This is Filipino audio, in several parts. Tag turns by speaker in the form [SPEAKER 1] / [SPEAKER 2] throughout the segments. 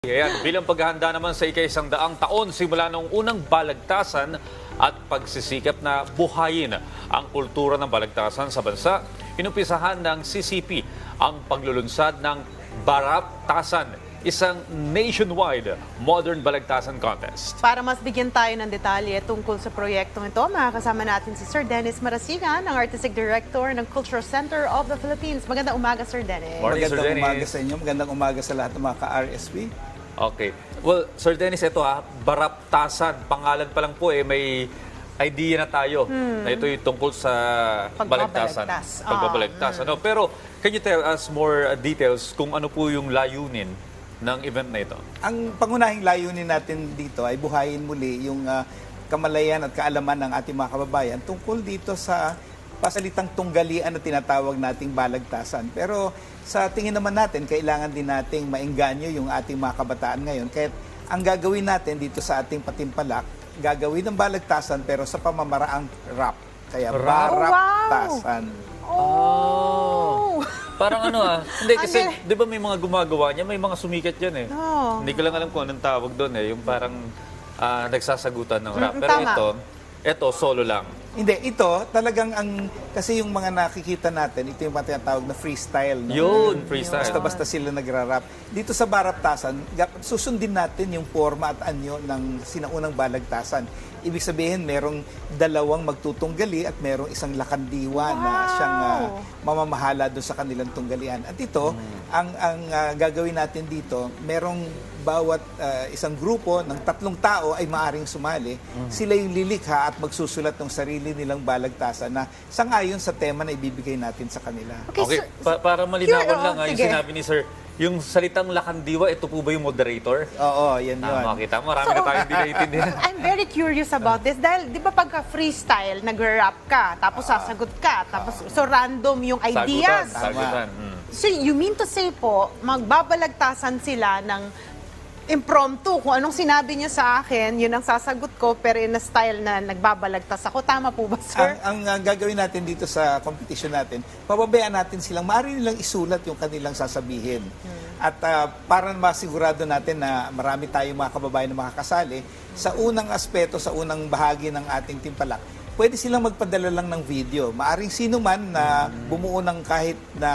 [SPEAKER 1] Ayan, bilang paghahanda naman sa ika-100 taon simula noong unang balagtasan at pagsisikap na buhayin ang kultura ng balagtasan sa bansa, inumpisahan ng CCP ang paglulunsad ng Baraptasan, isang nationwide modern balagtasan contest.
[SPEAKER 2] Para mas bigyan tayo ng detalye tungkol sa proyektong ito, makakasama natin si Sir Dennis Marasigan, ang Artistic Director ng Cultural Center of the Philippines. Magandang umaga, Sir Dennis.
[SPEAKER 1] Morning, Sir
[SPEAKER 3] Magandang
[SPEAKER 1] Dennis.
[SPEAKER 3] umaga sa inyo. Magandang umaga sa lahat ng mga ka-RSP.
[SPEAKER 1] Okay. Well, Sir Dennis, ito Baraptasan. Pangalan pa lang po may idea na tayo na ito yung tungkol sa balagtasan. Pagbabalagtas. Ano? Pero can you tell us more details kung ano po yung layunin ng event na ito?
[SPEAKER 3] Ang pangunahing layunin natin dito ay buhayin muli yung kamalayan at kaalaman ng ating mga kababayan tungkol dito sa pasalitang tunggalian na tinatawag nating balagtasan. Pero sa tingin naman natin, kailangan din nating maengganyo yung ating mga kabataan ngayon. Kaya ang gagawin natin dito sa ating patimpalak, gagawin ng balagtasan pero sa pamamaraang rap. Kaya Baraptasan.
[SPEAKER 2] Oh!
[SPEAKER 1] Parang hindi kasi, di ba may mga gumagawa niya, may mga sumikat yan
[SPEAKER 2] Oh.
[SPEAKER 1] Hindi ko lang alam kung anong tawag doon yung parang nagsasagutan ng rap. Pero
[SPEAKER 2] tama.
[SPEAKER 1] ito solo lang.
[SPEAKER 3] Hindi, ito talagang kasi yung mga nakikita natin, ito yung mga tinatawag na freestyle. No?
[SPEAKER 1] Yun, freestyle.
[SPEAKER 3] Basta-basta sila nagrarap. Dito sa Baraptasan, susundin natin yung forma at anyo ng sinaunang balagtasan. Ibig sabihin, merong dalawang magtutunggali at merong isang lakandiwa na siyang mamamahala doon sa kanilang tunggalian. At ito, ang gagawin natin dito, merong bawat isang grupo ng 3 tao ay maaring sumali. Sila yung lilikha at magsusulat ng sarili nilang balagtasan na sangayon sa tema na ibibigay natin sa kanila.
[SPEAKER 1] Okay,
[SPEAKER 2] Sir,
[SPEAKER 1] para malinawan
[SPEAKER 2] Sure,
[SPEAKER 1] lang yung
[SPEAKER 2] sige.
[SPEAKER 1] sinabi ni Sir, yung salitang lakandiwa, ito po ba yung moderator?
[SPEAKER 3] Oo, yan yun.
[SPEAKER 1] Makita mo, marami na tayong hindi naiintindihan.
[SPEAKER 2] I'm very curious about this dahil di ba pagka freestyle, nag-rap ka, tapos sasagot ka, tapos so random yung ideas.
[SPEAKER 1] Sagutan.
[SPEAKER 2] So you mean to say po, magbabalagtasan sila ng impromptu. Kung anong sinabi niyo sa akin, yun ang sasagot ko, pero in a style na nagbabalagtas ako. Tama po ba, sir?
[SPEAKER 3] Ang gagawin natin dito sa competition natin, pababayaan natin silang, maaari nilang isulat yung kanilang sasabihin. At para masigurado natin na marami tayong mga kababayan na makakasali, sa unang aspeto, sa unang bahagi ng ating timpalak, pwede silang magpadala lang ng video. Maaring sino man na bumuo ng kahit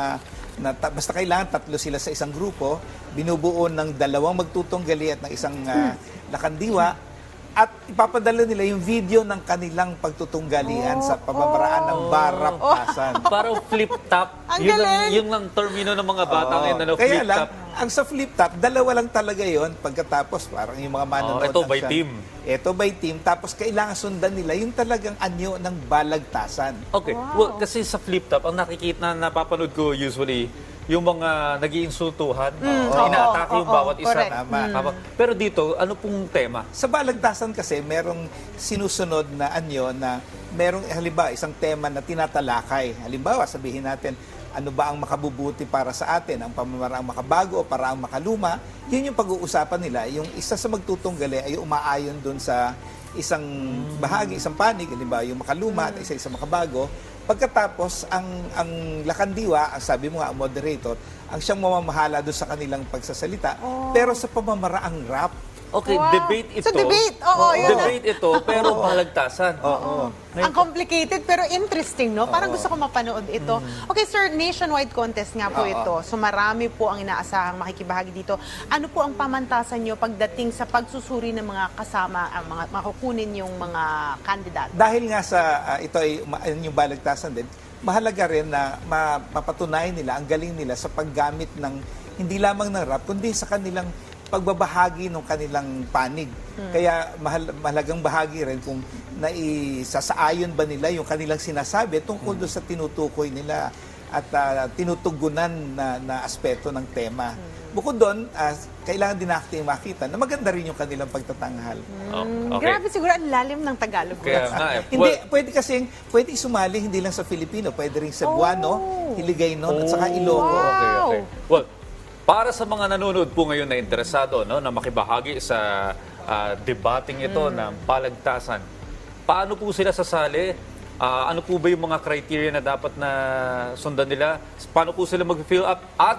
[SPEAKER 3] basta kailangan 3 sila sa isang grupo, binubuo ng 2 magtutunggali at ng isang lakandiwa, at ipapadala nila yung video ng kanilang pagtutunggalian sa pamamaraan ng Baraptasan.
[SPEAKER 1] Parang flip-top.
[SPEAKER 2] Ang
[SPEAKER 1] Yun
[SPEAKER 2] galing!
[SPEAKER 1] ang termino ng mga bata ngayon,
[SPEAKER 3] Kaya
[SPEAKER 1] flip-top.
[SPEAKER 3] lang, ang sa flip-top, 2 lang talaga yon. Pagkatapos, parang yung mga manonood.
[SPEAKER 1] ito by team.
[SPEAKER 3] Ito by team. Tapos kailangan sundan nila yung talagang anyo ng balagtasan.
[SPEAKER 1] Okay, well, kasi sa flip-top, ang napapanood ko usually, yung mga nag-iinsultuhan, inaatake yung bawat isa.
[SPEAKER 2] correct.
[SPEAKER 3] Tama.
[SPEAKER 1] Pero dito, ano pong tema?
[SPEAKER 3] Sa balagtasan kasi, merong sinusunod na anyo na merong, halimbawa, isang tema na tinatalakay. Halimbawa, sabihin natin, ano ba ang makabubuti para sa atin? Ang pamamaraang makabago o paraang makaluma? Yun yung pag-uusapan nila. Yung isa sa magtutunggali ay umaayon dun sa isang bahagi, isang panig, halimbawa yung makaluma at isa makabago. Pagkatapos, ang lakandiwa, ang sabi mo nga, ang moderator, ang siyang mamamahala doon sa kanilang pagsasalita, pero sa pamamaraang rap.
[SPEAKER 1] Okay,
[SPEAKER 2] Wow.
[SPEAKER 1] debate ito.
[SPEAKER 2] So, debate. Oo, yun.
[SPEAKER 1] Debate ito, pero balagtasan.
[SPEAKER 3] Oo.
[SPEAKER 2] Ang complicated pero interesting, no? Parang gusto ko mapanood ito. Okay, sir, nationwide contest nga po ito. So marami po ang inaasahang makikibahagi dito. Ano po ang pamantasan nyo pagdating sa pagsusuri ng mga kasama, ang mga makukunin yung mga kandidato?
[SPEAKER 3] Dahil nga sa ito ay yung balagtasan din, mahalaga rin na mapatunayan nila, ang galing nila sa paggamit ng hindi lamang ng rap, kundi sa kanilang pagbabahagi ng kanilang panig. Kaya mahalagang bahagi rin kung naisasaayon ba nila yung kanilang sinasabi tungkol doon sa tinutukoy nila at tinutugunan na aspeto ng tema. Bukod doon, kailangan din natin makita na maganda rin yung kanilang pagtatanghal.
[SPEAKER 1] Okay.
[SPEAKER 2] Grabe siguro ang lalim ng Tagalog.
[SPEAKER 1] Kaya nga
[SPEAKER 3] Hindi, pwede sumali hindi lang sa Filipino, pwede rin sa Cebuano, Hiligaynon at saka Ilocos.
[SPEAKER 2] Wow.
[SPEAKER 1] Okay. Well, para sa mga nanonood po ngayon na interesado na makibahagi sa debating ito ng balagtasan, paano po sila sasali? Ano po ba yung mga criteria na dapat na sundan nila? Paano po sila mag-fill up? At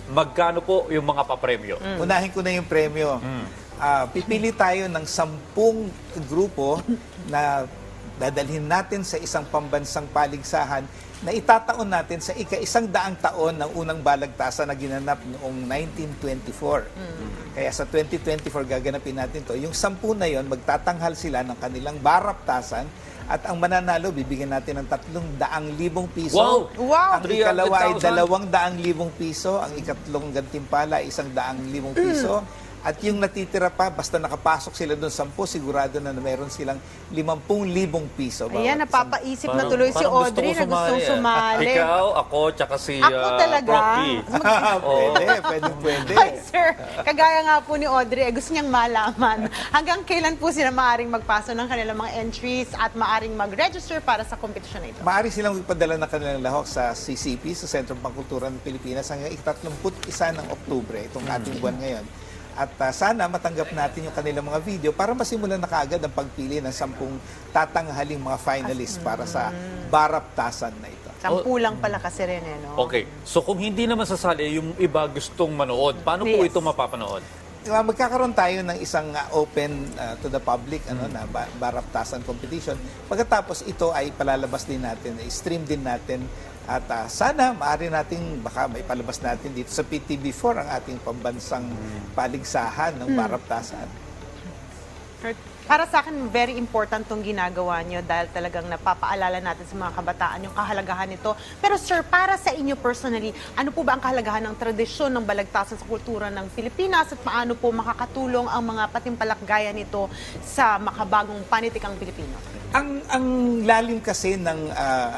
[SPEAKER 1] magkano po yung mga papremyo?
[SPEAKER 3] Unahin ko na yung premyo. Pipili tayo ng 10 grupo na dadalhin natin sa isang pambansang paligsahan na itataon natin sa ika-100 taon ng unang balagtasan na ginanap noong 1924. Kaya sa 2024 gaganapin natin to. Yung 10 na yon, magtatanghal sila ng kanilang baraptasan at ang mananalo, bibigyan natin ng 300,000 piso.
[SPEAKER 1] Wow!
[SPEAKER 2] Wow!
[SPEAKER 3] Ang ikalawa ay
[SPEAKER 1] 300,000.
[SPEAKER 3] 200,000 piso. Ang ikatlong gantimpala ay 100,000 piso. At yung natitira pa, basta nakapasok sila doon 10, sigurado na meron silang 50,000 piso.
[SPEAKER 2] Ayan,
[SPEAKER 3] bawat
[SPEAKER 2] napapaisip na
[SPEAKER 1] Parang-
[SPEAKER 2] tuloy si
[SPEAKER 1] parang gusto
[SPEAKER 2] Audrey
[SPEAKER 1] ko
[SPEAKER 2] na gustong
[SPEAKER 1] ah.
[SPEAKER 2] sumali.
[SPEAKER 1] Ikaw, ako, tsaka si
[SPEAKER 2] Ako talaga.
[SPEAKER 1] Prof. P.
[SPEAKER 3] Pwede.
[SPEAKER 2] Ay, sir, kagaya nga po ni Audrey, gusto niyang malaman hanggang kailan po sila maaring magpaso ng kanilang mga entries at maaring mag-register para sa kompetisyon na ito.
[SPEAKER 3] Maaari silang ipadala ng kanilang lahok sa CCP, sa Sentro Pangkultura ng Pilipinas, hanggang 31 ng Oktubre, itong ating buwan ngayon. At sana matanggap natin yung kanilang mga video para masimulan na kaagad ang pagpili ng 10 tatanghaling mga finalists para sa baraptasan na ito.
[SPEAKER 2] 10 lang pala kasi rin, eh, no?
[SPEAKER 1] Okay. So kung hindi naman sasali, yung iba gustong manood, paano po
[SPEAKER 2] Yes.
[SPEAKER 1] ito mapapanood?
[SPEAKER 3] Magkakaroon tayo ng isang open to the public na baraptasan competition. Pagkatapos ito ay palalabas din natin, i-stream din natin at sana maaari nating baka may palabas natin dito sa PTV4 ang ating pambansang paligsahan ng baraptasan.
[SPEAKER 2] Para sa akin, very important tong ginagawa nyo dahil talagang napapaalala natin sa mga kabataan yung kahalagahan nito. Pero sir, para sa inyo personally, ano po ba ang kahalagahan ng tradisyon ng balagtasan sa kultura ng Pilipinas at paano po makakatulong ang mga patimpalak gaya nito sa makabagong panitikang Pilipino?
[SPEAKER 3] Ang lalim kasi ng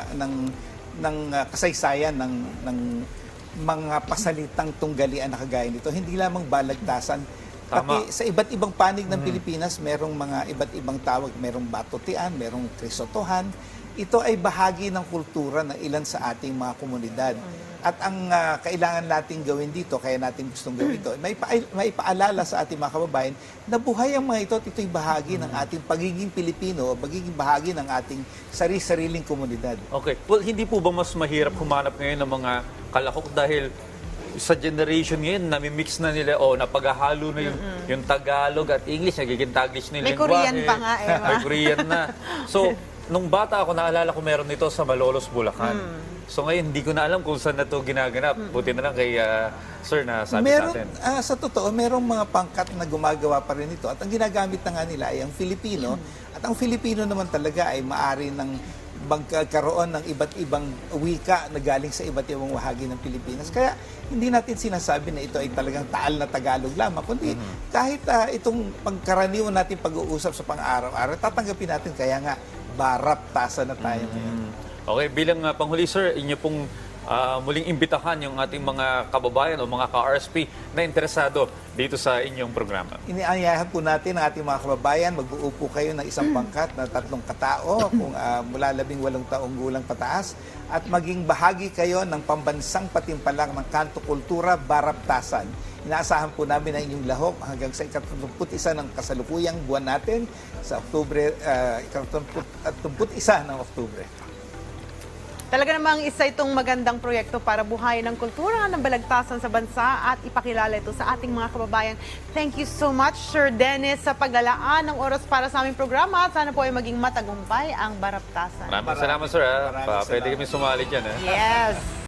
[SPEAKER 3] kasaysayan ng mga pasalitang tunggalian na kagaya nito, hindi lamang balagtasan.
[SPEAKER 1] Tama.
[SPEAKER 3] Pati sa iba't ibang panig ng Pilipinas, merong mga iba't ibang tawag, merong batutian, merong krisotohan. Ito ay bahagi ng kultura ng ilan sa ating mga komunidad. At ang kailangan nating gawin dito, kaya natin gustong gawin ito, may paalala sa ating mga kababayan na buhay ang mga ito at ito'y bahagi ng ating pagiging Pilipino, pagiging bahagi ng ating sari-sariling komunidad.
[SPEAKER 1] Okay. Well, hindi po ba mas mahirap humanap ngayon ng mga kalahok dahil sa generation ngayon, nami-mix na nila o napaghahalo na yung Tagalog at English, nagiging Taglish na yung
[SPEAKER 2] May
[SPEAKER 1] lingwahe.
[SPEAKER 2] Korean pa nga eh, ma.
[SPEAKER 1] May Korean na. So, nung bata ako, naalala ko meron nito sa Malolos, Bulacan. So ngayon, hindi ko na alam kung saan na ito ginaganap. Buti na lang kay Sir na sabi sa atin.
[SPEAKER 3] Sa totoo, merong mga pangkat na gumagawa pa rin ito. At ang ginagamit na nga nila ay ang Filipino. At ang Filipino naman talaga ay maari ng magkaroon ng iba't ibang wika na galing sa iba't ibang bahagi ng Pilipinas. Kaya hindi natin sinasabi na ito ay talagang taal na Tagalog lamang, kundi kahit itong pagkaraniwan natin pag-uusap sa pang-araw-araw, tatanggapin natin kaya nga baraptasan na tayo ngayon.
[SPEAKER 1] Okay, bilang panghuli Sir, inyo pong muling imbitahan yung ating mga kababayan o mga ka-RSP na interesado dito sa inyong programa.
[SPEAKER 3] Inianyayahan po natin ang ating mga kababayan, magbuo po kayo ng isang pangkat na 3 katao kung mula 18 taong gulang pataas at maging bahagi kayo ng pambansang patimpalak ng Kanto Kultura Baraptasan. Inaasahan po namin ang inyong lahok hanggang sa 31 ng kasalukuyang buwan natin sa Oktubre, 31 ng Oktubre.
[SPEAKER 2] Talaga namang isa itong magandang proyekto para buhayin ang kultura ng balagtasan sa bansa at ipakilala ito sa ating mga kababayan. Thank you so much, Sir Dennis, sa paglalaan ng oras para sa aming programa. Sana po ay maging matagumpay ang baraptasan.
[SPEAKER 1] Maraming salamat Sir.
[SPEAKER 3] Maraming
[SPEAKER 1] Pwede
[SPEAKER 3] salamat.
[SPEAKER 1] kami sumali dyan.
[SPEAKER 2] Yes.